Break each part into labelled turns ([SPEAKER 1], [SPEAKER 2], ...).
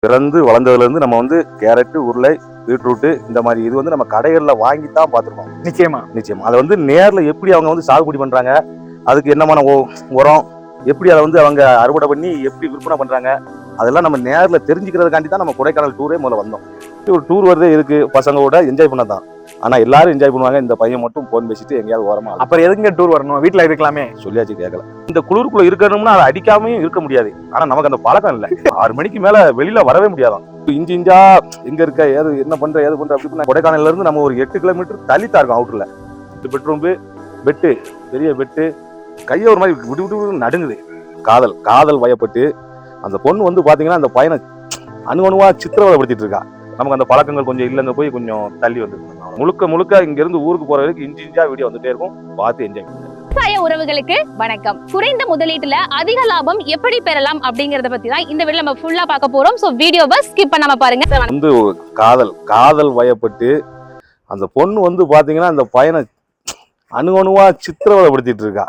[SPEAKER 1] பிறந்து வளர்ந்ததுலேருந்து நம்ம வந்து கேரட்டு, உருளை, பீட்ரூட்டு இந்த மாதிரி இது வந்து நம்ம கடைகளில் வாங்கி தான் பார்த்துருக்கோம். நிச்சயமா அதை வந்து நேரில் எப்படி அவங்க வந்து சாகுபடி பண்ணுறாங்க, அதுக்கு என்னமான உரம், எப்படி அதை வந்து அவங்க அறுவடை பண்ணி எப்படி விற்பனை பண்ணுறாங்க, அதெல்லாம் நம்ம நேரில் தெரிஞ்சுக்கிறதுக்காண்டி தான் நம்ம கொடைக்கானல் டூரே முதல்ல வந்தோம். ஒரு டூர் வருதே இருக்கு பசங்களோட என்ஜாய் பண்ண தான். ஆனால் எல்லாரும் என்ஜாய் பண்ணுவாங்க, இந்த பையன் மட்டும் போன் பேசிட்டு எங்கேயாவது ஓரமா.
[SPEAKER 2] அப்புறம் எதுங்க டூர் வரணும், வீட்டில் இருக்கலாமே
[SPEAKER 1] சொல்லியாச்சு கேட்கல. இந்த குளிருக்குள்ள இருக்கணும்னா அதை அடிக்காமையும் இருக்க முடியாது. ஆனா நமக்கு அந்த பழக்கம் இல்லை. 6 மணிக்கு மேல வெளியில வரவே முடியாதான். இஞ்சி இஞ்சா எங்க இருக்க, ஏது என்ன பண்ற, ஏது பண்ற அப்படி. கொடைக்கானல்ல இருந்து நம்ம ஒரு 8 கிலோமீட்டர் தள்ளித்தான் இருக்கும் அவுட்டர்ல. பெட்ரூம் பெட்டு, பெரிய பெட்டு, கையை ஒரு மாதிரி விடு விடு நடுங்குது. காதல் வயப்பட்டு அந்த பொண்ணு வந்து பாத்தீங்கன்னா அந்த பையனை அணுவா சித்திரவதைப்படுத்திட்டு இருக்கா. நமக்கு அந்த பழக்கங்கள் கொஞ்சம் இல்லைங்க, போய் கொஞ்சம் தள்ளி வந்துருக்கு. முழுக்க இங்க இருந்து ஊருக்கு போற வரைக்கும் இஞ்சி இஞ்சா வீடியோ வந்துட்டே இருக்கும், பார்த்து என்ஜாய் பண்ணுங்க.
[SPEAKER 3] விவசாய உறவுகளுக்கு வணக்கம். குறைந்த முதலீட்டுல அதிக லாபம் எப்படி பெறலாம் அப்படிங்கறத பத்தி தான் இந்த வீடியோல நம்ம ஃபுல்லா பார்க்க போறோம். சோ வீடியோவை ஸ்கிப் பண்ணாம பாருங்க.
[SPEAKER 1] வந்து காதல் வயப்பட்டு அந்த பொண்ணு வந்து பாத்தீங்கன்னா அந்த பையனை அணுவா சித்திரவதைப்படுத்திட்டு இருக்கா.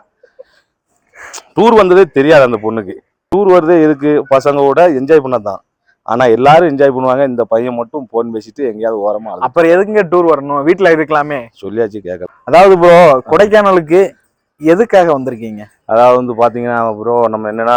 [SPEAKER 1] டூர் வந்ததே தெரியாது அந்த பொண்ணுக்கு. டூர் வருதே எதுக்கு, பசங்களோட என்ஜாய் பண்ணதான். ஆனா எல்லாரும் என்ஜாய் பண்ணுவாங்க, இந்த பையன் மட்டும் போன் பேசிட்டு எங்கேயாவது ஓரமா.
[SPEAKER 2] அப்புறம் எதுங்க டூர் வரணும், வீட்டுல இருக்கலாமே
[SPEAKER 1] சொல்லியாச்சு கேட்கல.
[SPEAKER 2] அதாவது ப்ரோ, கொடைக்கானலுக்கு எதுக்காக வந்திருக்கீங்க?
[SPEAKER 1] அதாவது வந்து பாத்தீங்கன்னா ப்ரோ, நம்ம என்னன்னா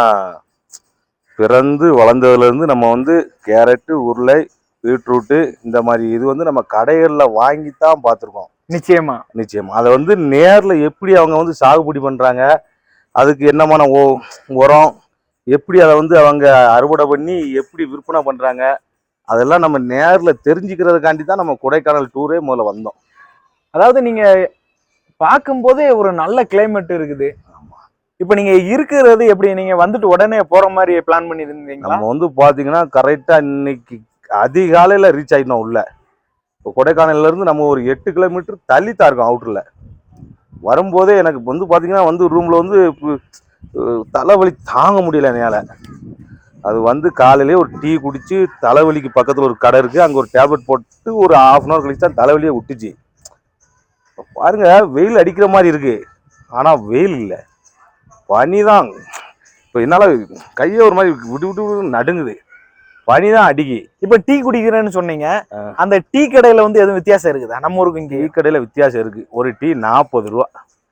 [SPEAKER 1] பிறந்து வளர்ந்ததுல இருந்து நம்ம வந்து கேரட்டு, உருளை, பீட்ரூட்டு இந்த மாதிரி இது வந்து நம்ம கடைகளில் வாங்கி தான் பார்த்துருக்கோம். நிச்சயமா அதை வந்து நேரில் எப்படி அவங்க வந்து சாகுபடி பண்றாங்க, அதுக்கு என்னமான உரம், எப்படி அதை வந்து அவங்க அறுவடை பண்ணி எப்படி விற்பனை பண்றாங்க, அதெல்லாம் நம்ம நேரில் தெரிஞ்சுக்கிறதுக்காண்டி தான் நம்ம கொடைக்கானல் டூரே முதல்ல வந்தோம்.
[SPEAKER 2] அதாவது நீங்க பார்க்கும்போதே ஒரு நல்ல கிளைமேட் இருக்குது. இப்ப நீங்க இருக்கிறது எப்படி, நீங்க வந்துட்டு உடனே போற மாதிரி பிளான் பண்ணி இருந்தீங்களா?
[SPEAKER 1] நம்ம வந்து பாத்தீங்கன்னா கரெக்டா இன்னைக்கு அதிகாலையில ரீச் ஆயிட்டோம் உள்ள. இப்போ கொடைக்கானல்ல இருந்து நம்ம ஒரு 8 கிலோமீட்டர் தள்ளித்தான் இருக்கோம் அவுட்டர்ல. வரும்போதே எனக்கு வந்து பாத்தீங்கன்னா வந்து ரூம்ல வந்து தலைவலி தாங்க முடியல என்னால. அது வந்து காலையிலேயே ஒரு டீ குடிச்சு, தலைவலிக்கு பக்கத்துல ஒரு கடை இருக்கு, அங்க ஒரு டேப்லெட் போட்டு ஒரு 1/2 hour கழிச்சு தான் தலைவலியே விட்டுச்சு. பாருங்க, வெயில் அடிக்கிற மாதிரி இருக்கு, ஆனா வெயில் இல்லை, பனி தான். இப்போ என்னால கையை ஒரு மாதிரி விட்டு விட்டு நடுங்குது, பனி தான் அடிக்கி.
[SPEAKER 2] இப்ப டீ குடிக்கிறேன்னு சொன்னீங்க, அந்த டீ கடையில வந்து எதுவும் வித்தியாசம் இருக்குதா? நம்ம ஊருக்கு இங்க
[SPEAKER 1] டீ கடையில வித்தியாசம் இருக்கு. ஒரு டீ 40 ரூபா.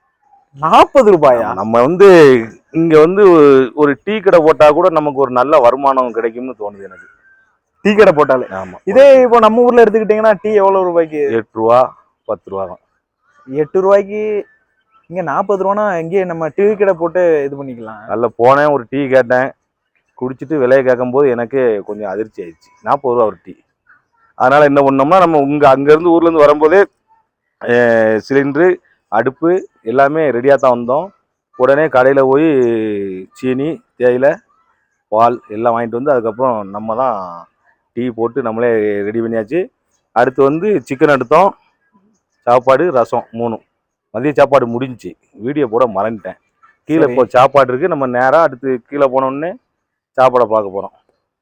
[SPEAKER 2] 40 ரூபாயா?
[SPEAKER 1] நம்ம வந்து இங்க வந்து ஒரு டீ கடை போட்டா கூட நமக்கு ஒரு நல்ல வருமானம் கிடைக்கும்னு தோணுது எனக்கு.
[SPEAKER 2] டீ கடை போட்டாலே.
[SPEAKER 1] ஆமா.
[SPEAKER 2] இதே இப்போ நம்ம ஊர்ல எடுத்துக்கிட்டீங்கன்னா டீ எவ்வளவு ரூபாய்க்கு?
[SPEAKER 1] 8 ரூபா 10 ரூபா தான்.
[SPEAKER 2] 8 ரூபாய்க்கு இங்க 40 ரூபானா இங்கே நம்ம டீ கடை போட்டு இது பண்ணிக்கலாம்.
[SPEAKER 1] நல்ல போனேன், ஒரு டீ கேட்டேன், குடிச்சிட்டு விலையை கேட்கும்போது எனக்கு கொஞ்சம் அதிர்ச்சி ஆயிடுச்சு. 40 ரூபா ஒரு டீ. அதனால என்ன பண்ணோம்னா, நம்ம அங்கேருந்து ஊர்லேருந்து வரும்போதே சிலிண்டரு, அடுப்பு எல்லாமே ரெடியாக தான் வந்தோம். உடனே கடையில் போய் சீனி, தேயிலை, பால் எல்லாம் வாங்கிட்டு வந்து அதுக்கப்புறம் நம்ம தான் டீ போட்டு நம்மளே ரெடி பண்ணியாச்சு. அடுத்து வந்து சிக்கன் எடுத்தோம், சாப்பாடு, ரசம் 3. மதிய சாப்பாடு முடிஞ்சிச்சு, வீடியோ போட மறந்துட்டேன். கீழே இப்போ சாப்பாடு இருக்குது, நம்ம நேராக அடுத்து கீழே போனோடனே சாப்பாடை பார்க்க போகிறோம்.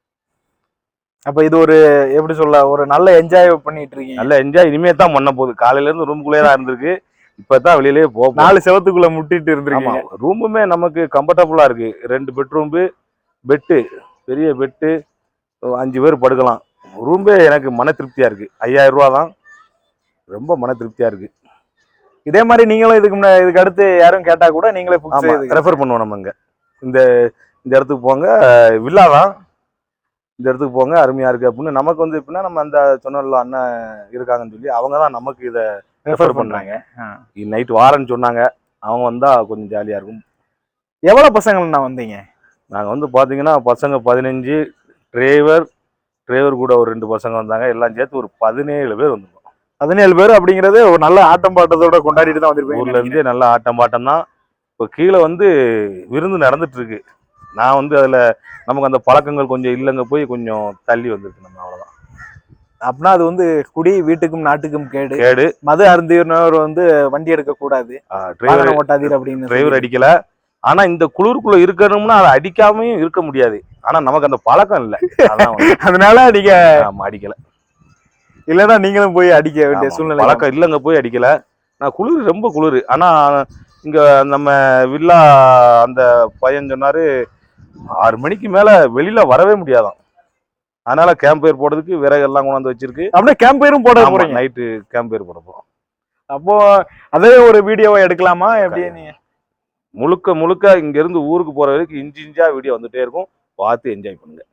[SPEAKER 2] அப்போ இது ஒரு எப்படி சொல்ல, ஒரு நல்ல என்ஜாய் பண்ணிட்டு இருக்கீங்க.
[SPEAKER 1] நல்ல என்ஜாய் இனிமே தான் பண்ண போகுது. காலையிலேருந்து ரூமுக்குள்ளே தான் இருந்திருக்கு, இப்போ தான் வெளியிலேயே போகும்.
[SPEAKER 2] 4 செவத்துக்குள்ளே முட்டிட்டு இருந்திருக்கீங்க.
[SPEAKER 1] ரூமுமே நமக்கு கம்ஃபர்டபுளாக இருக்குது. 2 பெட்ரூம்பு, பெட்டு, பெரிய பெட்டு, 5 பேர் படுக்கலாம். ரூம்பே எனக்கு மன திருப்தியாக இருக்குது. 5000 ரூபா தான், ரொம்ப மன திருப்தியாக இருக்குது.
[SPEAKER 2] இதே மாதிரி நீங்களும் இதுக்கு அடுத்து யாரும் கேட்டா கூட நீங்களே
[SPEAKER 1] ரெஃபர் பண்ணுவோம். நம்ம இந்த இடத்துக்கு போங்க, வில்லா தான், இந்த இடத்துக்கு போங்க, அருமையா இருக்கு அப்படின்னு. நமக்கு வந்து எப்படின்னா, நம்ம அந்த சொன்னல அண்ணன் இருக்காங்கன்னு சொல்லி அவங்க தான் நமக்கு இதை ரெஃபர் பண்றாங்க. நைட் வாரன்னு சொன்னாங்க, அவங்க வந்தா கொஞ்சம் ஜாலியா இருக்கும்.
[SPEAKER 2] எவ்வளவு பசங்கள்ண்ணா வந்தீங்க?
[SPEAKER 1] நாங்க வந்து பாத்தீங்கன்னா பசங்க 15, டிரைவர் கூட ஒரு 2 பசங்க வந்தாங்க. எல்லாம் சேர்த்து ஒரு 17 பேர் வந்திருக்கோம்.
[SPEAKER 2] 17 பேர் அப்படிங்கிறது ஒரு நல்ல ஆட்டம் பாட்டத்தோட கொண்டாடிட்டு தான் வந்திருப்பேன்.
[SPEAKER 1] ஊர்ல இருந்தே நல்ல ஆட்டம் பாட்டம் தான். இப்போ கீழே வந்து விருந்து நடந்துட்டு இருக்கு. நான் வந்து அதுல நமக்கு அந்த பழக்கங்கள் கொஞ்சம் இல்லைங்க, போய் கொஞ்சம் தள்ளி வந்துருக்கு. நம்ம அவ்வளவுதான்.
[SPEAKER 2] அப்படின்னா அது வந்து குடி வீட்டுக்கும் நாட்டுக்கும் கேடு. மது அருந்தினர் வந்து வண்டி எடுக்க கூடாது, டிரைவர் ஓட்டாதீர் அப்படின்னு
[SPEAKER 1] டிரைவர் அடிக்கல. ஆனா இந்த குளிருக்குள்ள இருக்கணும்னா அதை அடிக்காமையும் இருக்க முடியாது. ஆனா நமக்கு அந்த பழக்கம் இல்லை,
[SPEAKER 2] அதனால நீங்க
[SPEAKER 1] அடிக்கல.
[SPEAKER 2] இல்லைன்னா நீங்களும் போய் அடிக்க வேண்டிய சூழ்நிலை.
[SPEAKER 1] பழக்கம் இல்லைங்க, போய் அடிக்கல. நான் குளிர், ரொம்ப குளிர். ஆனா இங்க நம்ம வில்லா அந்த பையன் சொன்னாரு, 6 மணிக்கு மேல வெளியில வரவே முடியாதான். அதனால கேம்ப் ஃபயர் போடுறதுக்கு விறகெல்லாம் கொண்டாந்து வச்சிருக்கு.
[SPEAKER 2] அப்படியே கேம்ப் ஃபயரும் போட போறீங்க?
[SPEAKER 1] நைட்டு கேம்ப் ஃபயர் போட போறோம்.
[SPEAKER 2] அப்போ அதே ஒரு வீடியோவை எடுக்கலாமா எப்படி? நீங்க
[SPEAKER 1] முழுக்க இங்க இருந்து ஊருக்கு போற வரைக்கும் இன்ச்சா வீடியோ வந்துட்டே இருக்கும். பார்த்து என்ஜாய் பண்ணுங்க.